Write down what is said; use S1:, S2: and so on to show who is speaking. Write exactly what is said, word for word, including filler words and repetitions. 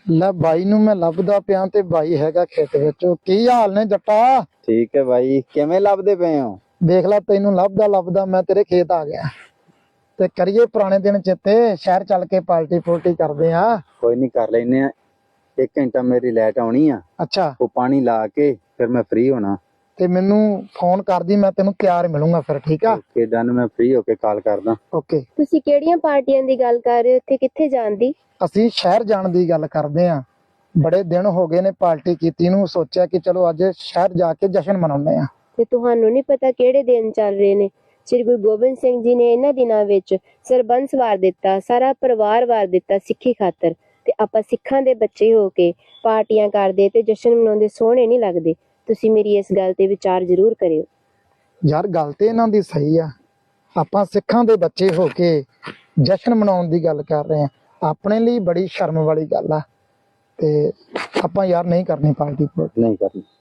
S1: ਲੈ ਬਾਈ ਨੂੰ ਮੈਂ ਲੱਭਦਾ ਪਿਆ ਤੇ ਬਾਈ ਹੈਗਾ ਖੇਤ ਵਿੱਚ। ਕੀ ਹਾਲ ਨੇ ਜੱਟਾ?
S2: ਠੀਕ ਹੈ ਬਾਈ, ਕਿਵੇਂ ਲੱਭਦੇ ਪਏ ਹੋ?
S1: ਦੇਖ ਲੈ ਤੈਨੂੰ ਲੱਭਦਾ ਲੱਭਦਾ ਮੈਂ ਤੇਰੇ ਖੇਤ ਆ ਗਿਆ। ਤੇ ਕਰੀਏ ਪੁਰਾਣੇ ਦਿਨ ਚੇਤੇ, ਸ਼ਹਿਰ ਚੱਲ ਕੇ ਪਾਰਟੀ ਪੂਰਟੀ ਕਰਦੇ ਆ।
S2: ਕੋਈ ਨਹੀਂ, ਕਰ ਲੈਨੇ ਆ। ਇੱਕ ਘੰਟਾ ਮੇਰੀ ਲਾਈਟ ਆਉਣੀ ਆ,
S1: ਅੱਛਾ,
S2: ਉਹ ਪਾਣੀ ਲਾ ਕੇ ਫਿਰ ਮੈਂ ਫ੍ਰੀ ਹੋਣਾ।
S1: ਤੇ ਮੈਨੂੰ ਫੋਨ ਕਰਦੀ, ਮੈਂ ਤੈਨੂੰ ਤਿਆਰ ਮਿਲੂੰਗਾ ਫਿਰ। ਠੀਕ ਆ?
S2: ਓਕੇ ਡਨ, ਮੈਂ ਫ੍ਰੀ ਹੋ ਕੇ ਕਾਲ ਕਰਦਾ।
S1: ਓਕੇ।
S3: ਤੁਸੀਂ ਕਿਹੜੀਆਂ ਪਾਰਟੀਆਂ ਦੀ ਗੱਲ ਕਰ ਰਹੇ ਹੋ? ਇੱਥੇ ਕਿੱਥੇ ਜਾਣ ਦੀ?
S1: ਅਸੀਂ ਸ਼ਹਿਰ ਜਾਣ ਦੀ ਗੱਲ ਕਰਦੇ ਆ। ਬੜੇ ਦਿਨ ਹੋ ਗਏ ਨੇ ਪਾਰਟੀ ਕੀਤੀ ਨੂੰ, ਸੋਚਿਆ ਕਿ ਚਲੋ ਅੱਜ ਸ਼ਹਿਰ ਜਾ ਕੇ ਜਸ਼ਨ ਮਨਾਉਂਦੇ ਆ।
S3: ਤੇ ਤੁਹਾਨੂੰ ਨਹੀਂ ਪਤਾ ਕਿਹੜੇ ਦਿਨ ਚੱਲ ਰਹੇ ਨੇ? ਸ੍ਰੀ ਗੁਰੂ ਗੋਬਿੰਦ ਸਿੰਘ ਜੀ ਨੇ ਇਹਨਾਂ ਦਿਨਾਂ ਵਿੱਚ ਸਰਬੰਸ ਵਾਰ ਦਿੱਤਾ, ਸਾਰਾ ਪਰਿਵਾਰ ਵਾਰ ਦਿੱਤਾ ਸਿੱਖੀ ਖਾਤਰ। ਤੇ ਆਪਾਂ ਸਿੱਖਾਂ ਦੇ ਬੱਚੇ ਹੋ ਕੇ ਪਾਰਟੀਆਂ ਕਰਦੇ ਤੇ ਜਸ਼ਨ ਮਨਾਉਂਦੇ ਸੋਹਣੇ ਨਹੀਂ ਲੱਗਦੇ। ਤੁਸੀਂ ਮੇਰੀ ਇਸ ਗੱਲ ਤੇ ਵਿਚਾਰ ਜ਼ਰੂਰ ਕਰਿਓ।
S1: ਯਾਰ ਗੱਲ ਤੇ ਇਹਨਾਂ ਦੀ ਸਹੀ ਆ, ਆਪਾਂ ਸਿੱਖਾਂ ਦੇ ਬੱਚੇ ਹੋ ਕੇ ਜਸ਼ਨ ਮਨਾਉਣ ਦੀ ਗੱਲ ਕਰ ਰਹੇ ਆ। ਆਪਣੇ ਲਈ ਬੜੀ ਸ਼ਰਮ ਵਾਲੀ ਗੱਲ ਆ ਤੇ ਆਪਾਂ ਯਾਰ ਨਹੀਂ ਕਰਨੀ ਪਾਰਟੀ।
S2: ਨਹੀਂ ਕਰਨੀ।